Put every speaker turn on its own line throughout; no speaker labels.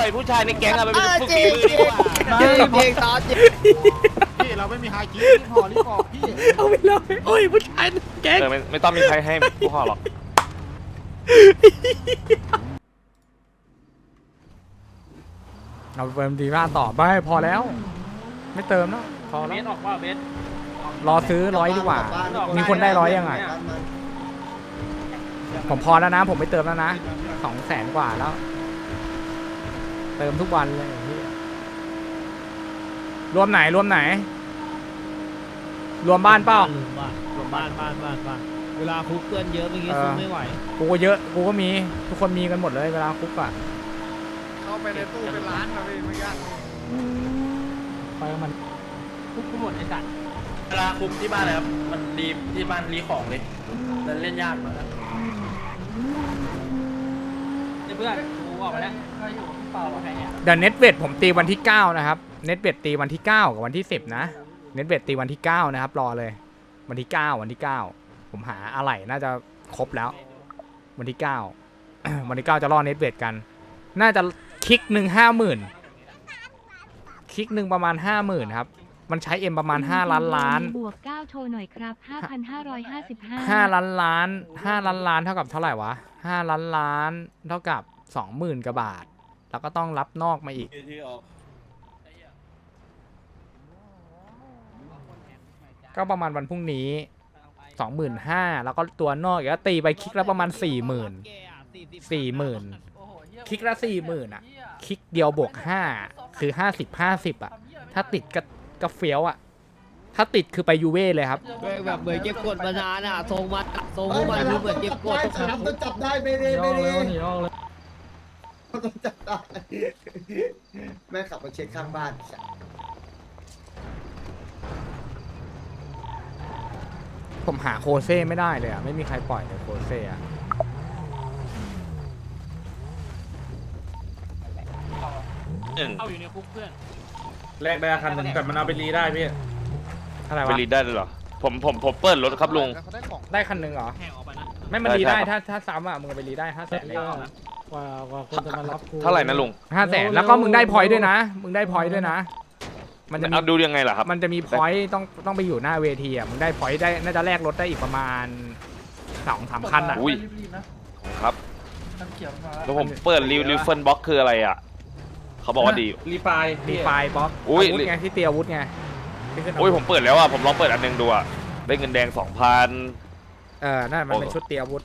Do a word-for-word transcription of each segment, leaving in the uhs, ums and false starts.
ล่อยผู้ชายในแก๊งอะไปเป็นฝึกฝีมือดีกว่า
จริงเพลงตอนจริง
พี่เราไม่มีไฮคิดรีบห่อรีบบอกพี่
เอาไปเลยโอ้ยผู้ชายแก๊ง
เออไม่ไม่ต้องมีใครให้ผู้ห่อหรอก
เอาเติมดีมากต่อไปพอแล้ว ไม่เติมแล้วพอ
เบ
แล้ว
สออกว่าเบส
รอซื้อร้อยดีกว่า มีคนได้ร้อยยังไงผมพอแล้วนะ ผมไม่เติมแล้วนะสองแสนกว่าแล้ว เติมทุกวันเลยเหี้ยรวมไหนรวมไหน รวมบ้านเปล่า
ลืมบ้านรวมบ้านบ้านบ้านบ้านเวลาคุกเพื่อนเยอะเมื่อกี้สู้ไม่ไหว
กูก็เยอะกูก็มีทุกคนมีกันหมดเลยเวลาคุกอะ
เข้าไปในตู้เป็นล้านนะพี่ไม่ยาก
ไปกับมัน
คุกกูหมดไอ้สัตว์
เวลาคุมที่บ้านเลยครับ มันดีที่บ้านรีของเลยแต่เล่นยากมากนะ
เพื่อนกูออกมาแล้วใครอยู่เปล่าใครเนี่ย
เดี๋ยวเน็ตเวทผมตีวันที่เก้านะครับเน็ตเวทตีวันที่เก้ากับวันที่สิบนะเน็ตเวทตีวันที่เก้านะครับรอเลย วันที่เก้าวันที่เก้าผมหาอะไหล่น่าจะครบแล้ว วันที่เก้า วันที่เก้าจะรอเน็ตเวทกัน น่าจะคลิกหนึ่งห้าหมื่นคลิกหนึ่งประมาณห้าหมื่นครับมันใช้เอ็มประมาณห้าล้านล้าน
บวกเก้าโชว์หน่อยครับห้าพันห้าร้อยห้าสิบห้า
ห้าล้านล้านห้าล้านล้านเท่ากับเท่าไหร่วะห้าล้านล้านเท่ากับสองหมื่นกว่าบาท แล้วก็ต้องรับนอกมาอีก ก็ประมาณวันพรุ่งนี้สองหมื่นห้าแล้วก็ตัวนอกอีกแล้วตีไปคลิกแล้วประมาณสี่หมื่นสี่หมื่นคลิกละสี่หมื่นอ่ะคลิกเดียวบวกห้าคือห้าสิบห้าสิบอ่ะถ้าติดก็ก็เฟี้ยวอ่ะถ้าติดคือไปยูเว่เลยครับ
แบบเหมือนเก็บกดมานานอ่ะทรงมาทรงพวกมันคือเหมือนเก็บกด
ได้ครับต้องจับได้ไม่ได้ไม่ได้ต้องจับได้แม่ขับมาเช็คข้างบ้าน
ผมหาโคเซ่ไม่ได้เลยอ่ะไม่มีใครปล่อยเลยโคเซ่อะ
เข้าอยู่ในคุกเพื่อน
แลกได้คันหนึ่งแต่มันเอาไปรีได้พี่
อะไร
ไป
วะ
รีดได้เลยเหรอผมผมผมเปิดรถครับลุง
ได้คันหนึ่งเหรอ
แข่งออกไปนะ
ไม่มัน
ได้
รีได้
ครับ
ถ้าถ้าซ้ำอ่ะมึงเอาไปรีได้ห้าแสนเลย
กว่ากว่าคนจะมารับกู
เท่าไหร่นะลุง
ห้าแสนแล้วก็มึงได้พอยต์ด้วยนะ มึงได้พอยต์ด้วยนะ มันจะมี
เอาดูยังไงล่ะครับ
มันจะมีพอยต์ต้องต้องไปอยู่หน้าเวทีอ่ะมึงได้พอยต์ได้น่าจะแลกรถได้อีกประมาณสองสามคันอ่ะ
อุ้ยครับแล้วผมเปิดรีวิวเฟิร์นบ็อกคืออะไรอ่ะเขาบอกว่าดี
รีไฟล์
มีไฟล์บล็อก
อุ้ย
อาวุธไงที่เตียอาวุธไงที่ขึ้นอาวุธ
โอ้ยผมเปิดแล้วอ่ะผมลองเปิดอันหนึงดูอ่ะได้เงินแดงสองพัน
เออนั่นมันเป็นชุดเตียอาวุธ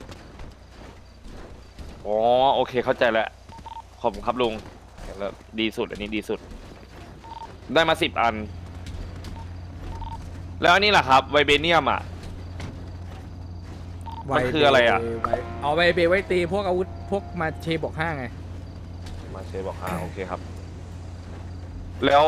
อ๋อโอเคเข้าใจแล้วขอบคุณครับลุงแล้วดีสุดอันนี้ดีสุด ได้มาสิบอัน แล้วอันนี้ล่ะครับไวเบเนียมอ่ะ มันคืออะไรอะ
ไวเอาไวเบไว้ตีพวกอาวุธพวกมาเชบวกห้าไง
มาเชบอกอ่าโอเคครับ แล้ว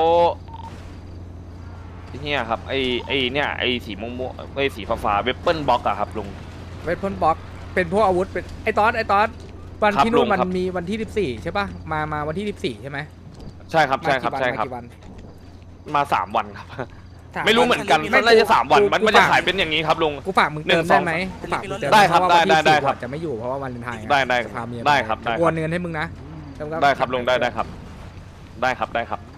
ไอ้เนี่ยครับไอไอเนี่ยไอสีม่วงๆไอสีฟ้าๆเวปเปิลบ็อกอะครับลุง
เวทพลบล็อกเป็นพวกอาวุธเป็นไอตอสไอตอสวัน
ครับ
ที่นู่น
ลุง
มัน
ครับ
มีวันที่สิบสี่ใช่ป่ะมามาวันที่สิบสี่ใช่ไหม
ใช่ครับ
มา
ใช่ครับ
กี่วัน
ใช่ครับ
มากี่วัน
มาสามวันครับ
สา
ไม่รู้เหมือนกัน
ไม่
น่าจะสามวัน
กู
มัน
กู
มันจะ
ฝาก
ขายเป็นอย่างนี้ครับลุง
กูฝากมึง
หนึ่
เติ
ง
ม
สอ
ได้
ง
ไหมกูฝากมึงเติม
ได้ครับ
เพาะว่าวัน
ได้
ที่
ได้
สี่
ครับ
จะไม่อยู่เพราะว่าวันเลนไทน์
ได้ได้
พาเมีย
ได้ครับได้
โอนเงินให้มึงนะแล้วก็
ได้ครับลุงได้ได้ครับ ได้ครับได้ครับ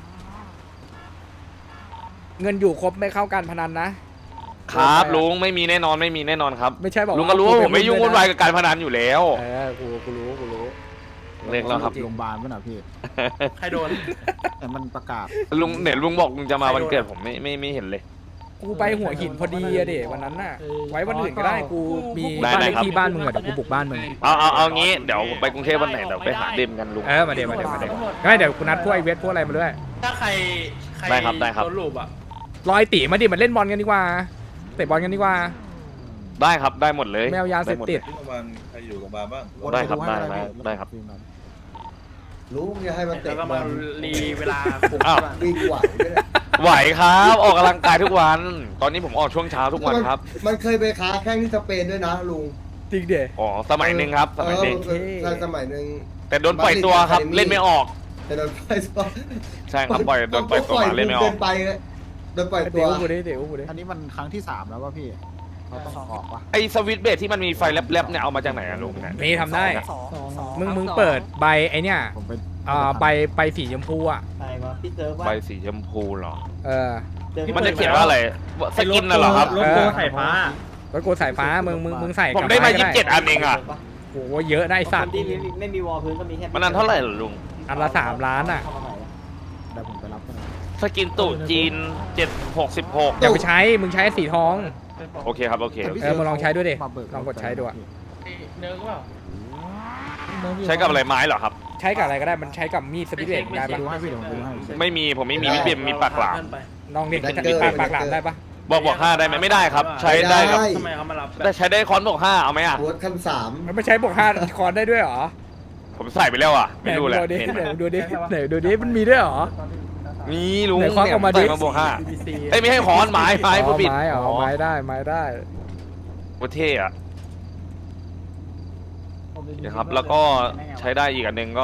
เงินอยู่ครบไม่เข้าการพนันนะ
ครับลุงไม่มีแน่นอนไม่มีแน่นอนครับ
ไม่ใช่บอก
ลุงก็รู้ว่าผมไม่ยุ่งวุ่นวาย
กั
กับการพนันอยู่แล้ว
เออกูกูรู้กูรู้
เรียกแล้วครับ
จง
โรงพยาบาลป่ะนะพี่
ใครโดน
แต่มันประกาศ
ลุงเนี่ยลุงบอกลุงจะมาวันเกิดผมไม่ไม่ไม่เห็นเลย
กูไปหัวหินพอดีอะเด็วันนั้นน่ะ ไว้วันอื่นก็ได้กูมี
ได้
บ้าน
ได้
เลข
ครับ
ที่บ้านมึงอะเดี๋ยวกูบุกบ้านมึง
เอาเอาเอางี้เดี๋ยวผมไปกรุงเทพวันไหนเดี๋ยวไปหาเดมกันลุง
เออมาเดี๋ยวมาเดี๋ยวมาเดี๋ยวไม่เดี๋ยวกูนัดพวกไอเวทพวกอะไรมาด้วย
ถ้าใครใคร
ได้ครับได้ครับ
โดนลูบอ่ะ
รอยตีมาดิมันเล่นบอลกันดีกว่าเตะบอลกันดีกว่า
ได้ครับได้หมดเลย
ไม่เอายาเสพติด
ไได้ครับได้ได้ได้ครับ
ลุงจะให้มัน
แล้
เตะ
วก็
บ
มา
อล
รีเวลาคุม
อ้าว
วิ่งไหวไหมเนี่ย
ไหวครับออกกำลังกายทุกวัน ตอนนี้ผมออกช่วงเช้าทุกวันครับ
มันเคยไปค้าแข้งที่สเปนด้วยนะลุง
จริงเด
อ๋อสมัยหนึ่งครับสมัยเด็ก
เออใช่สมัยหนึ่ง
แต่โดนปล่อยตัวครับเล่นไม่ออก
แต่โดนปล่อยตัว
ใช่ครับปล่อยโดนปล่อยตัวมาเล่นไม่ออก
เกินไปเลยโดนปล่อยตั
เดี๋
ว
ยวกูดิเดี๋ยวกูดิ
อันนี้มันครั้งที่สามแล้วป่ะพี่เขาต้องออกป่ะ
ไอสวิตช์เบสที่มันมีไฟแลบๆเนี่ยเอามาจากไหนอะลุงเนี่ย
มีทำได้ มึงมึงเปิดใบไอเนี่ย
ผมไป
อ่าใบใบสีชมพูอ่ะ
อะไรวะพี่เซิร์ฟว่า
ใบสีชมพูเหรอ
เออ
มันจะเขียนว่าอะไรสกินน่ะเหรอครับ
รถโกสายฟ้า
รถกูสายฟ้ามึงมึงมึงใส่
ผม
กับ
ได้มา
ก็
ยี่สิบเจ็ดอันเองอ่ะ
โอ้โหเยอะได้สัตว์
ที่ไม่มีวอลพื้นก็มีแค่
มันนั้นเท่าไหร่เหรอลุง
อันละสามล้านอ่ะ
เดี๋ยวผมไปรับกัน
สกินตู่จีนเจ็ดหกสิบหก
อย่าไปใช้มึงใช้สีทอง
โอเคครับโอเคโอเค
เออมึงลองใช้ด้วยดิ
มาเบิ
ลองกดใช้ดูอะ
เนิร์กเปล่า
ใช้กับอะไรไม้เหรอครับ
ใช้กับอะไรก็ได้มันใช้กับมีดสปิริตได้
ไป
ปะ
ดูให้พี่เดี๋ยวผมดูให้
ไม่มีผมไม่มีมีเบียมมีปากหลาม
ลองดิมีปากปากหลามได้ปะ
บอกบอกห้าได้ไหมไม่ได้ครับ ใช้ได้ครับ
ทำไมเขามารับ
แต่ใช้ได้คอนบอกห้าเอาไหมอ่ะ
รถขั้นสาม
มันไม่ใช้บวกห้าคอนได้ด้วยเหรอ
ผมใส่ไปแล้วอ่ะไม่รู้แหละ
ไหน
เห็นไหม
ดูดิไหนดูดิมันมีด้วยเหรอ
มีลุง
ไหนควักออกมาดิ
ใส่มาบวกห้าเอ้ยไม่ให้คอนไม้ไม้
อ๋
ผู้
อ
ปิด
ไม้อ๋อไม้ได้ไม้ได้
โคตรเท่อะนะครับ แล้วก็ใช้ได้อีกอันหนึ่งก็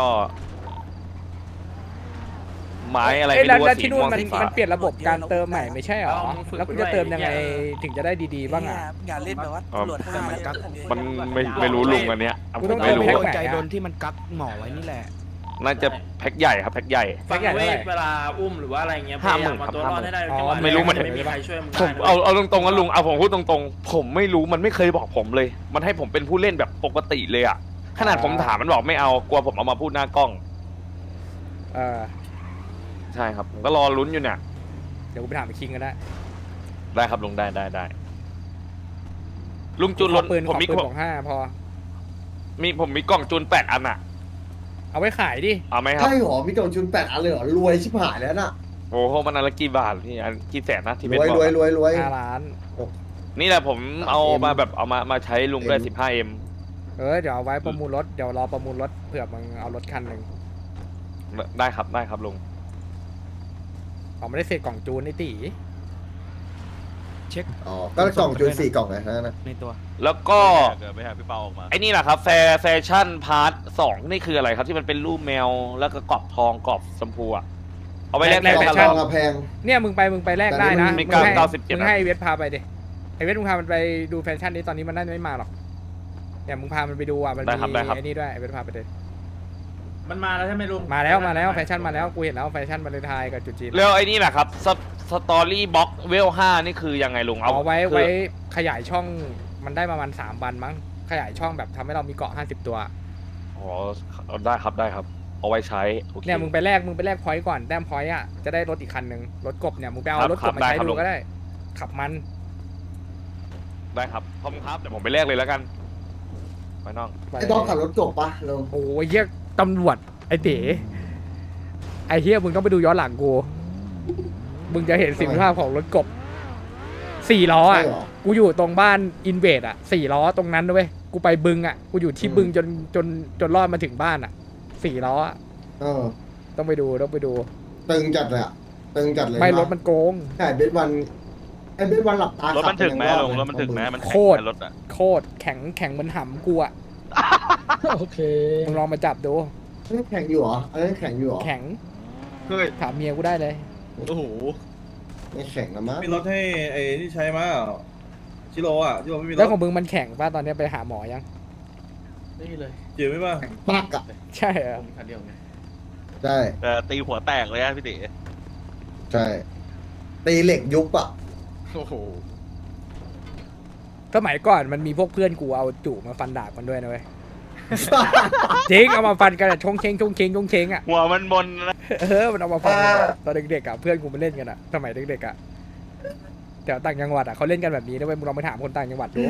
ไม้อะไร
เอ้ย
ไม่
แล้ว
รู้
แล้ว
ว่าสี
ที่นู่
ม่
น
วง
มัน
สีฟ้า
มันเปลี่ยนระบบการเติมใหม่ไม่ใช่เหรอแล้วกูจะเติมยังไงถึงจะได้ดีๆบ้างอ่ะ
อย่าเล่นแบบว่า
อ๋อ
ตำรวจห้าแล้ว
มันไม่ไม่รู้ลุงอันเนี้ย
กู
ผ
ต้อ
ม
ง
ไม่รู้
เติมให้
ใจโดนที่มันกักหมอไว้นี่แหละ
น่าจะแพ็คใหญ่ครับแพ็คใหญ่
ฟังเวทเวลาอุ้มหรือว่าอะไรเงี้ยพ
ห้าย
า
หมื่
ยาม
น
มา
ครับ
ตัวรอดให้ได้
อ๋อ
จังหวะ
ไม่รู้มัน
ไม่มีใครช่วยมึง
ผม
ได้
เอาเอาตรงๆกันลุงเอาผมพูดตรงๆ ผมไม่รู้มันไม่เคยบอกผมเลย มันให้ผมเป็นผู้เล่นแบบปกติเลยอ่ะขนาดผมถามมันบอกไม่เอากลัวผมเอามาพูดหน้ากล้อง
เออ
ใช่ครับผมก็รอลุ้นอยู่เนี่ย
เดี๋ยวกูไปถามไอ้คิงกันได้
ได้ครับลุงได้ได้ได้ลุงจูนรถ
ขอปืน
ผม
ขอ
มี
ปืนบอกห้าพอ
มีผมมีกล่องจูนแปดอันอ่ะ
เอาไว้ขายดิ
เอาไหมครับ
ใช่หรอพี่โจนชุนแปดอันเลยเหรอรวยชิบหายแล้วน่ะ
โอ้โหมันอันละกี่บาทพี่อันกี่แสนนะที่
ร
เป็น
วย
บอ
รวย
ก
รวยรวย
ห้าล้าน
นี่แหละผมเอา
เอ็ม
มาแบบเอามามาใช้ลุงได้
เอ็ม
สิบห้าเอ็ม
เออเดี๋ยวเอาไว้ประมูลรถเดี๋ยวรอประมูลรถเผื่อมึงเอารถคันหนึ่ง
ได้ครับได้ครับลุง
เอาไม่ได้เศษกล่องจูนไอ้ตี
เช็ค
อ๋อก็กล่องจูนสี่กล่องไงนะ
ในตัว
แล้วก็
เกิดไปหาพี่เปาออกมา
ไอ้นี่แหละครับแฟแฟชั่นพาร์ทสองนี่คืออะไรครับที่มันเป็นรูปแมวแล้วก็กรอบทองกรอบชมพูอะเอาไปแลก
แลก
แฟ
กล่อง
ชั่น
ทองอะแพง
เนี่ยมึงไปมึงไปแลกได้นะ
แต่นี่
มัน
มึงให้
เก้าสิบเจ็ด
มึงให้ไอ้เวทพาไปดิไอเวทมึงพามันไปดูแฟชั่นนี้ตอนนี้มันน่าจะไม่มาหรอกเนี่ยมึงพามันไปดูอ่ะมัน
ได้
มี
ครับได้ครับ
ไอ้นี่ด้วยไอเวทพาไปดิ
มันมาแล้วใช่ไหมลุง
มาแล้วมาแล้วแฟชั่นมาแล้วกูเห็นแล้วแฟชั่นมาเลนไทยกับจุดจีน
แล้วไอ้นี่แหละครับสสตอรี่บ็อกเวลห้านี่คือยังไงลุงเอา
เอาไว้
คือ
ไว้ขยายช่องมันได้ประมาณสามวันมั้งขยายช่องแบบทำให้เรามีเกาะห้าสิบตัว
อ๋อเอาได้ครับได้ครับ เอาไว้ใช้โอค
เนี่ยมึงไปแลกมึงไปแลกพอยต์ก่อนแต้มพอยต์อ่ะจะได้รถอีกคันหนึ่งรถกบเนี่ยมึงไปเอา
ครับ
รถกบมา
ครับ
ใช้
ได้ครับ
ดู
ลุง
ก็ได้ ขับมัน
ได้ครับขอบคุณครับเดี๋ยวผมไปแลกเลยแล้วกันไปน้อง
ไอ้ต้องขับรถจบปะลุง
โอ้ยเฮียตำรวจไอ้เต๋ไอ้เฮียมึงต้องไปดูย้อนหลังกู มึงจะเห็นสิ่งภาพของรถกบสี่ล้อ
ใช่
อ่ะ
เหรอ
กูอยู่ตรงบ้านอินเวดอ่ะสี่ล้อตรงนั้นด้วยกูไปบึงอ่ะกูอยู่ที่
อืม
บึงจนจนจนรอดมาถึงบ้านอ่ะสี่ล้ออะ
เออ
ต้องไปดูต้องไปดู
ตึงจัดเลยอะตึงจัดเลย
ไม่
นะ
รถมันโกง
ใช่เบสวันไอ้เบสวันหลับตาร
ถมันถึงไหม
ขับ
ลุง
ยัง
รถมันถึงไหมมัน
โค
แข็ง
ตร
ไหมรถอ่ะ
โคตรแข็งแข็งเหมันหำกูอ่ะ
โอเค
มึงลองมาจับดู
เฮ้ยแข็งอยู่เหรออันนี้แข็งอยู่เหรอ
แข็ง
เฮ้ย
ถามเมียกูได้เลย
โอ้โห
ไม่แข็งนะมั้ง
มีรถให้ไอ้ที่ใช้มาชิโร่อ่ะชิโร่ไม่มีร
แล้ว
ถ
ของมึงมันแข็งป่ะตอนนี้ไปหาหมอยัง
นี่เลย
เจี๋ยวไหมป่ะ
แข็งปักอะ
ใช่เหรอ
ผมคันเดียวไง
ใช่
แต่ตีหัวแตกเลยอะพี่ติ
ใช่ตีเหล็กยุบอะ
โอ้โห
สมัยก่อนมันมีพวกเพื่อนกูเอาจู่มาฟันดาบกันด้วยนะเว้ย จริงเอามาฟันกันอะชงเชงชงเชงชงเชงอ่ะ
หัวมันมนนะ
เออมันเอามาฟันกันอะตอนเด็กๆอ่ะเพื่อนกูมาเล่นกันอ่ะสมัยเด็กๆอ่ะแถวต่างจังหวัดอ่ะเขาเล่นกันแบบนี้นะเว้ยมึงลองไปถามคนต่างจังหวัดดู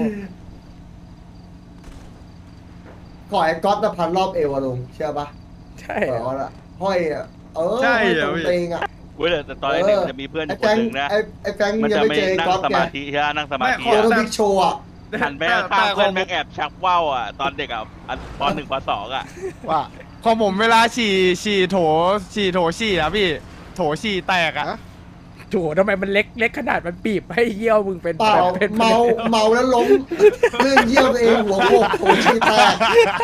ขอไอ้ก๊อตนะพันรอบเอวอะลุงเชื่อปะ
ใช่
เอ
เหรอ
อละห้อยอะเออ
ใช่
ห้อย
เหร
ต
อ
รง
พี่
เตงอะ
เว้ยแต่ตอนเด็กๆจะมีเพื่อนอ
ไอ้
ยู่ค
แฟ
น
ง
หนึ่งนะ
ไอ้ไอ้แฟง
มัน
ยัง
จะ
ไม่
ไม่
เจอไอ้
นั่ง
ก๊อต
ส
ไง
มาธิใช่ไหมนั่งสมาธิ
โคโนบิกโชว์อะ
หันไปข้างๆเพื่อนแม่งแอบชักว่าวอ่ะตอนเด็กอ่ะอันปหนึ่งปสองอ่ะ
ว่าของผมเวลาฉี่ฉี่โถฉี่โถฉี่อะพี่ โถฉี่แตกอะ
โถทำไมมันเล็กเล็กขนาดมันบีบให้เยี่ยวมึงเป็น
เปล่า
เป็น
เมาเมาแล้วล้มเลื่อนเยี่ยวตัวเองหัวโขกโถชีแตก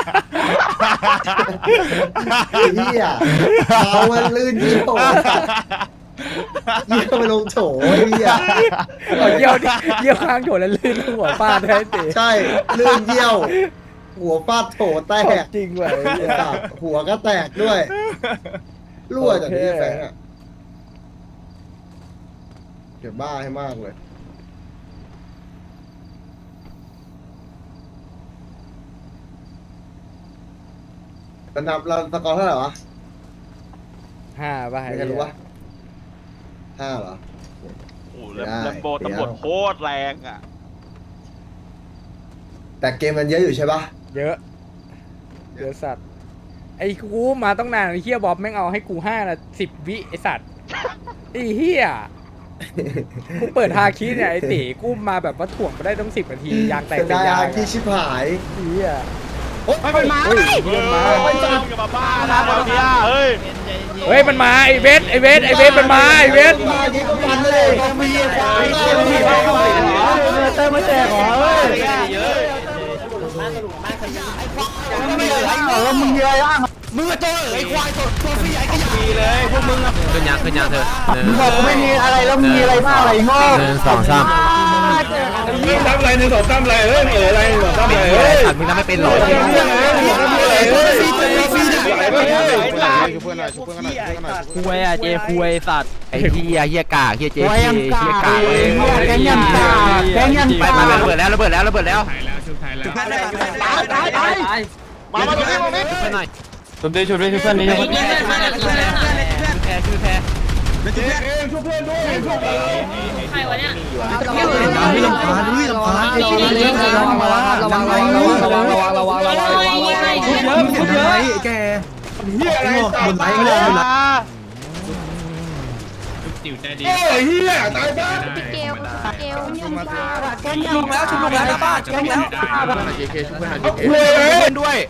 ไอ้เหี้ยเมามันลื่นเยี่ยวเยี่ยวไปลงโถไอ้เหี้ย
เอาเยี่ยวดิเยี่ยวข้างโถแล้วลื่นหัวฟาดให้เตะ
ใช่ลื่นเยี่ยวหัวฟาดโถแตก
จริงเว้ย
ไอ้สัตว์หัวก็แตกด้วยรั่วจากนี้แฟงอ่ะเดี๋ยวบ้าให้มากเลยเรานับเราสกอร์เท่าไหร่วะ
ห้าป่ะ
ไม่รู้วะห้าเหรอ
โอ้โหแล้ว
ได้
แลมโบ
เดี๋ยว
ตำรวจโคตรแรงอ่ะ
แต่เกมมันเยอะอยู่ใช่ปะ
เยอะเยอะสัตว์ไอ้กูมาต้องนานไอ้เฮียบ๊อบแม่งเอาให้กูห้าละสิบวิไอ้สัตว์ไอ้เฮียกูเปิดฮาคิเนี่ยไอ้ตีกูมาแบบว่าถ่วงไปได้ต้องสิบนาทียางแตก
เป็น
เป็น
ได้
ยาง
ที่ชิบหาย
เฮีย
ไม่เป็นมา
เฮ้ยเพื่อนมา
ไม่จับกับบ้านะมาเฟียเฮ้ย
เฮ้ยมันมาไอ้เวทไอ้เวทไอ้เวทมันมาไอ้เวท
มายิงก็ฟันเลยมีควายมีควายเติมมาแจกเหรอเฮ้ย
เยอะ
มึงมีอะไรบ้าง
ขึ้นยางขึ้นยางเถอะ
มึงบอกกูไม่มีอะไรแล้วมึงมีอะไรบ้างอะไรงอก
หนึ่งสองสาม
มึงทำอะไรหนึ่งสองสามอะไรเฮ้ยเอออะไรหนึ่งสองสามอะไรเฮ้ย
ขัดมึงทำไม่เป็นหรอ
คุยอ่ะเจคุยสัตว์
ไอ้เฮียเฮียกากเฮียเจ๊เฮียกาก
แกงยันตาแกงยัน
ไป
ตา
มาระเบิดแล้วระเบิดแล้วระเบิดแล้ว
ตายตาย
มามาตรงนี้ตรงนี้
ไปหน่อย
สมเด็จชุดเพื่อนนี่
แพ้คือแพ้
ใครวะเนี่ย
พี่ลำพานพี่ลำพานไอ้ที่เล่นระวังระวังระวังระวังระวังระวังระวังระวังระวังเยอะเยอะไอ้แกเฮียอะไรบนไหนเลยบนไหนโอ้ยเฮียตายบ้า
พี่เกลเกลยังมา
แกงยันแล้วชุบลงแล้วนะบ้านแกงยัน
คุยเลย
ด้วย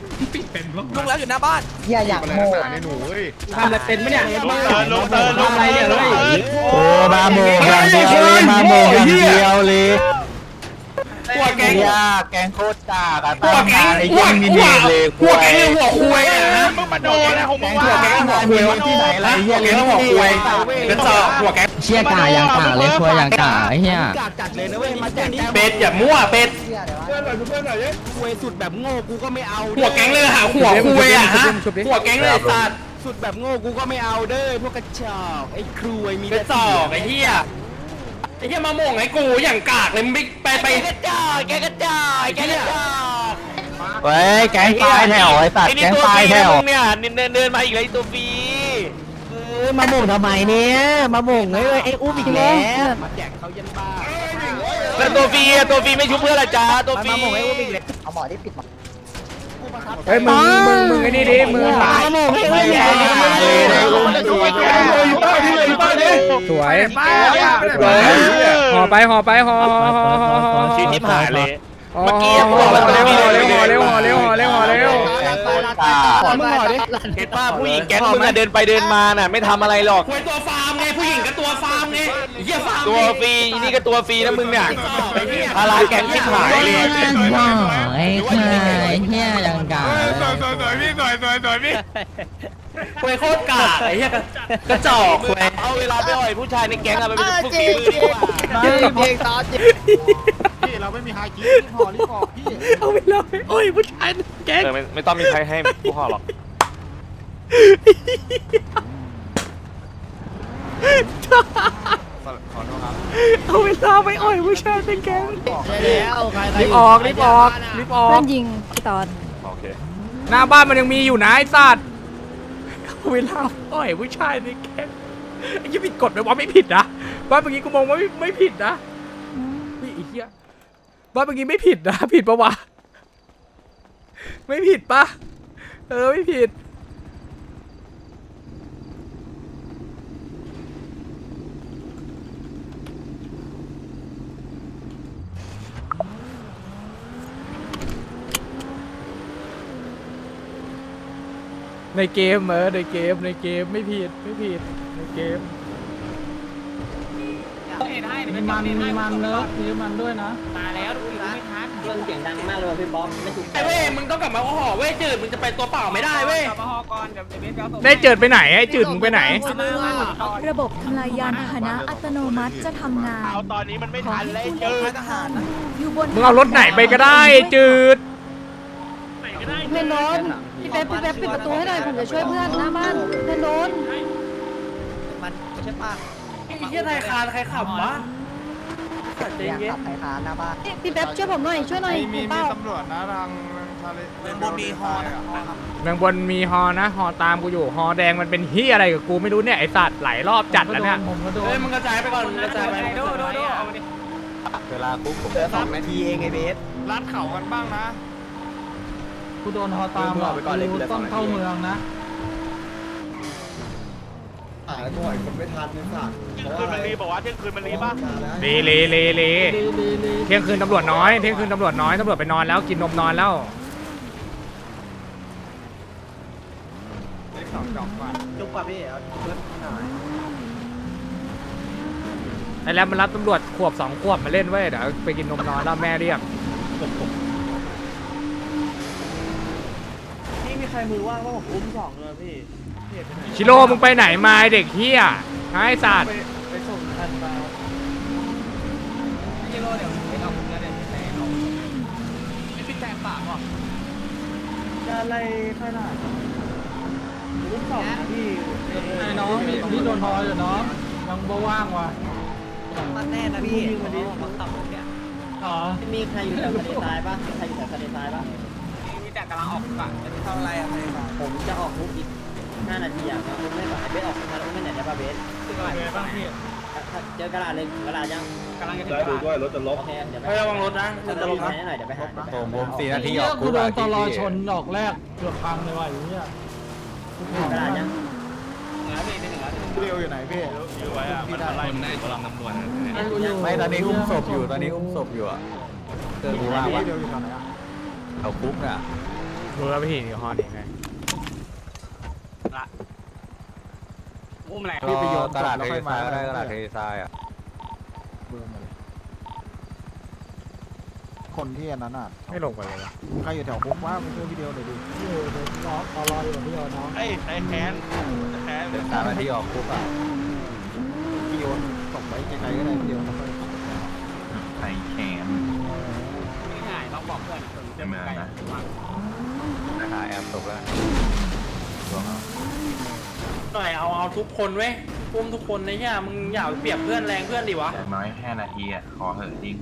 อย่าอยากโม่
ทำอะไรเป็นไหมเนี่ย
ลงเติร์นลงเติร์นลงอะไรเนี่ยเฮ้ย
โอ้มาโม่อย่างเดียวเลยมาโม่อย่างเดียวเลย
หัวแกง
ยากแกงโคตรกากอะตามมาไอ้ยังมีเนเลย
หัวแกงหัวคุยอ่ะนะ
มึงมาโดนนะของมึง
หัว
ว่า
แกงหัวคุยที่ไหนล่ะ
หัวแกงหัวคุยกระจอกหัวแกง
เชี่ยกายังกาเลยคุยยังกาไอ้เหี้ย
จัดเลยนะเว้ยมาแจก
เป็ดอย่ามั่วเป็ด
เพื่อนหน่อยเพื่อนหน่อย
คุยสุดแบบโง่กูก็ไม่เอา
หัวแกงเลยหาหัวคุยอ่ะฮะหัวแกงเลยสัตว์
สุดแบบโง่กูก็ไม่เอาเด้อพวกกระจอกไอ้ครูไอ้มี
กระจอกไอ้เหี้ยไอ้เหี้ยมาโม่งไอ้กูอย่างกากเลยมึงไปไป
กระจอกแกกระจอกแกกระจอก
เฮ้ยแกงปลายแถวไอ้สัตว์แกงปลายแถว
เนี่ยเดินเดินมาอีกเลยตัวฟรี
มาหม่งทำไมเนี่ยมาหม่งไอ้ไอ้อุ้มอีกแล้ว
มาแจกเขายันบ้า
แล้วตัวฟรีอะตัวฟรีไม่ชุบเพื่อนละจ้าตัวฟรี
มาหม่งไอ้อุ้มอีกแล้วเอาหมอที่ปิดหมอ
เฮ้ยมึงมึงมึงไอ้นี่ดิมึง
มาหม่งไอ้อุ้มอีกแล้ว
สวยห่อไปห่อไปห่อห่อห่อห่อห่อ
ชีทิพหายเลย
เมื่อกี้ห่อเร็วห่อเร็วห่อเร็วห่อเร็วห่อเร็วห่อเร็ว
มึงหน่อยดิ
เห็นป้าผู้หญิงแก๊งมึงอะเดินไปเดินมาน่ะไม่ทำอะไรหรอก
คุยตัวฟาร์มไงผู้หญิงกับตัวฟาร์มไงเหี้ยฟาร์ม
ตัวฟรีนี่ก็ตัวฟรีนะมึงเนี่ยพาราแก๊งชิบหายเลย
ไอ้ควายเหี้ยยังกา
สวยสวยสวยพี่สวยสวยสวยพี่คุยโคตรกากไอ้เหี้ยกระจอกคุย
เอาเวลาไปอ่อยผู้ชายในแก๊งอะไปเป็นฝึกฝีมือดีกว่า
เพลงตอนเจ็บ
เอาไปเลยโอ้ยผู้ชายแกง
เออไม่ไม่ต้องมีใครให้ผู้ห่อหรอก
เอาเวลาไปอ่อยผู้ชายเป็นแกง
แล้วใครใคร
รีบออกรีบออกรีบออก
ยิงพี่ตอน
โอเค
หน้าบ้านมันยังมีอยู่นะไอ้สัตว์เอาเวลาอ่อยผู้ชายเป็นแกงไอ้ยี่ผิดกฎไหมวะไม่ผิดนะบ้านเมื่อกี้กูมองว่าไม่ไม่ผิดนะนี่ไอ้เหี้ยบ้านเมื่อกี้ไม่ผิดนะผิดปะวะไม่ผิดปะเออไม่ผิดในเกมเออในเกมในเกมไม่ผิดไม่ผิดในเกม
มีมันมีมันเลิฟมีมันด้วยนะตายแล้วดูไม่ทัน
เรื่องเสียงดังมากเลยพี่บ๊อบไม่ถูก
ไอ้เว้ยมึงต้องกลับมาห่อเว้ยจืดมึงจะไปตัวเปล่าไม่ได้เว้ย
มาฮอก่อนเดี๋ยวเบสเอาส่ง
ได้จืดไปไหนไอ้จืดมึงไปไหน
ระบบทำลายยานพาหนะอัตโนมัติจะทำงาน
เอาตอนนี้มันไม่
ขอ
ทัน
ให้
เลย
คุณ
เจอ
ทหารอยู่บน
มึงเอารถไหนไปก็ได้จืด
ไหน
พื่อนโดนพี่เป๊ปพี่เป๊ปปิดประตูให้หน่อยผมจะช่วยเพื่อนหน้าบ้านเพื่อนโดน
มันใช่ป่ะ
ไอ้เหี้ยไทยคานใครขับวะขับใจเย็น
ไทยคานหน้าบ้าน
พี่เป๊ปช่วยผมหน่อยช่วยหน่อยมีเป้า
ตำรวจนะทางทะเล
เมืองบนมีฮอนะ
เมืองบนมีฮอนะฮอตามกูอยู่ฮอแดงมันเป็นเฮียอะไรกับกูไม่รู้เนี่ยไอสัตว์หลายรอบจัดแล้วเนี่ย
ผมก็โดน
เฮ้ยมึงกระจายไปก่อนกระจายไปโดโดโดเอามาดิ
เวลาปุ๊บผมเหลือสองนาทีเองไอ้เบส
ลัดเข่ากันบ้างนะ
กูโดนฮอตามอ่ะกูต้องเข้าเมืองนะ
อ่าตัวไอ้คนไม่ทันเนี่ยสัตว์
เที่ยงคืนมันรีบอกว่าเที่ยงคืนมันรีป่ะ
เลเลเลเล
ลีลีลี
เที่ยงคืนตำรวจน้อยเที่ยงคืนตำรวจน้อยตำรวจไปนอนแล้วกินนมนอนแล้ว
เลขสองจอกกว่า
จุกป่ะพี่เอาเพื่อนหน่อย
ไอ้แล้วมันรับตำรวจขวบสองขวบมาเล่นเว้ยเดี๋ยวไปกินนมนอนแล้วแม่เรียก
นี่มีใครมือว่างว่าผมอุ้มสองเลยพี่
ชิโร่มึงไปไหนมาไอ้เด็กเฮียไอ้สัตว์
ไปส่งทันมาพี่โร่เดี๋ยวไปเอาผมแล้วเดี๋ยวไปเอาไม่พี่แจงปากหรอจะอะไรขนาดอุ้มสองนะพี่
ไอ้น้องมีพี่โดนฮออยู่น้องยังบ่ว่างว่ะ
มันแน่นะพี่วันนี้ผมขับรถเนี่ย
อ๋อ
มีใครอยู่แถวทะเลทรายป่ะมีใครอยู่แถวทะเลทรายป่ะ
มีแต่กำลังออกปากจะเท่าไรอะไรมา
ผมจะออกลุกอีกห้านาทีอ่ะผมไม่ไหวเบสออกมาแล้วไม่ไหนได้ป่ะเบส
คืออะไรบ้างพี่
เจอกระดาษเลยกระดาษยัง
กำลังจะถึง
ได้ดูด้วยรถจะลบ
โอเคเดี๋ยวไป
ระวังรถนะรถจะลงนะ
หน่อยเดี๋ยวไปหา
ผมผมสี่นาที
เฮี
อย อก
กูโดนตลอชนดอกแรกเกือบพังเลยว่ะไอ้เหี้ย
กระดาษยัง
เรียวอยู่ไหนพี่อยู่ไว้อะมันอะไรได้กำลังตำรวจ
ไม่ตอนนี้อุ้มศพอยู่ตอนนี้อุ้มศพอยู่อะเจอรู้ว่าว่า
เรียวอยู่ตอนไหนอะ
เอาคุกอ่ะ
รู้แล้วพี่นี่ฮอนี่ไง
อุ้มแหละ
พี่ไปโยนตลาดเทรทรายก็ได้ตลาดเทรทรายอ่ะ
คนที่อันนั้นอ่ะ
ไม่ลงไปเลยวะ
ใครอยู่แถวคุกว่าไปช่วยวิดีโอหน่อยดิ
อยู่เดี๋ยวรอรอรออยู่พี่โยน้อง
ไอ้ไอ้แคนแคน
เดี๋ยวสามนาทีออกคุกอ่ะ
พี่โยนส่งไปไกลๆก็ได้พี่โยนแล้วค่อย
ไข่แขน
ง่ายต้องบอกเพื่อนจะมานะ
นะคะแอบตกแล้ว
หน่อยเอาเอาทุกคนเว้ยอุ้มทุกคนนะเนี่ยมึงอย่าเปรียบเพื่อนแรงเพื่อนดิวะ
อย่างน้อยแค่นาทีอ่ะขอเหอะจริง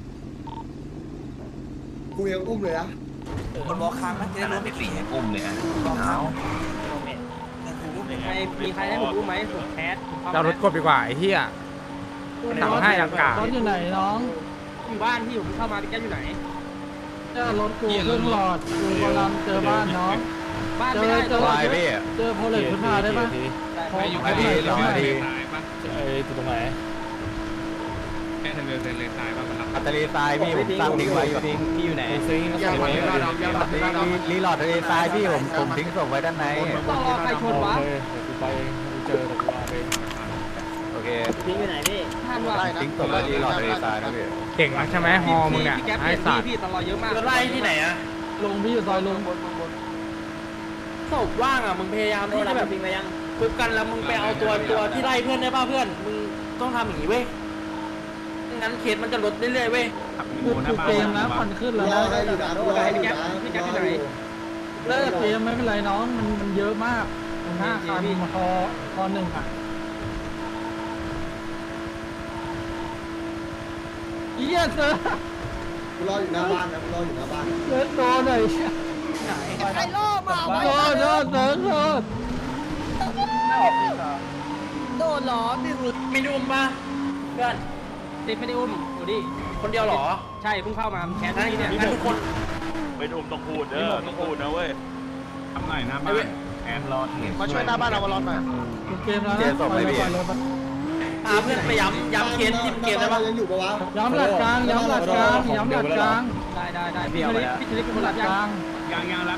กูยังอุ้มเลยนะ
คนบอกค้างนะจะได้รู้
ไม่สี่อุ้มเลยอ่ะเอา
ใครมีใครให้ผมรู้ไหมผมแคส
เรารถกบดีกว่าไอ้เฮีย สั่งให้อากาศ
รถอยู่ไหนน้อง
อยู่บ้านที่ผมเข้ามาที่แกอยู่ไหน
เจอรถกูเครื่องหลอดกูกำลังเจอบ้านน้อง
บ้าน
เจ
ไม่
อ
ได้
เจอ
วายพี่
เจอโพลิสขึ้นมาได้ปะ
มาดีรอมาดี
ไอ้ตรงไหน
อัตตลีทรายพี่ผมตั้งทิ้งไว้อยู่
พี่อยู่ไหน
ยังไม่ได้รีลอดทะเลทรายพี่ผมผมทิ้งศพไว้ด้านใน
ต้องรอใครชนวะ
โอเค
พี่อยู่ไหนพี่
ท่านว่า
ทิ้งศพไว้รีลอดทะเลทรายนะพี่
เก่งนักใช่ไหมฮอมึงอ่ะ
พี่แก
ไอ้
เปลี่ยน
สัตว์
พี่ตลอดเยอะมากไล่ที่ไหนอะ
ลงพี่อยู่ซอยลง
ศพว่างอะมึงพยายาม
โด
ที่
น
จะ
แบ
แบบ บ
พิงไปยัง
คุบกันแล้วมึงไปเอาตัวตัวที่ไล่เพื่อนได้ป่ะเพื่อนมึงต้องทำอย่างนี้เว้ยงั้นเคสมันจะลดเรื่อยๆเว้ย
กูกูเกมนะควันขึ้นแล้ว
รอ
นะ
ให้อยู่นะรอให้อยู่นะ
พี่แจ๊คที่ไหน
เลิกเกมไม่เป็นไรน้องมันมันเยอะมากมันห้าคันมาคอคอหนึ่งอ่ะเยี่ยเสือ
กูรออยู่หน้าบ้านนะกูรออยู่หน้าบ้าน
เสือโดนหน่อย
ไอ้โล่มา
โดนโดนโดนโดน
โดนหรอพี่สุด
ไม่ได้อุ้มป่ะเพื่อนติดไม่ได้อุ้มดูดิคนเดียวเหรอใช่เพิ่งเข้ามาแคสที่เนี่ยงั้นทุกคน
ไปดุมต้องพูดเด้อต้องพูดนะเว้ย
ทำหน่อยนะบ้านแอนรอเห็น
มาช่วยหน้าบ้านเรามาร้อนหน่อย
เกมแล้วนะไปเลยไปเลย
พาเพื่อนไปย้ำย้ำเคสที่เกมได้ป่ะ
ยังอยู่ปะวะ
ย้ำหลักกลางย้ำหลักกลางย้ำหลักกลาง
ได้ได้ได้
พี่เทลิกพี่เทลิกเป็นหลักกลาง
ยังยัง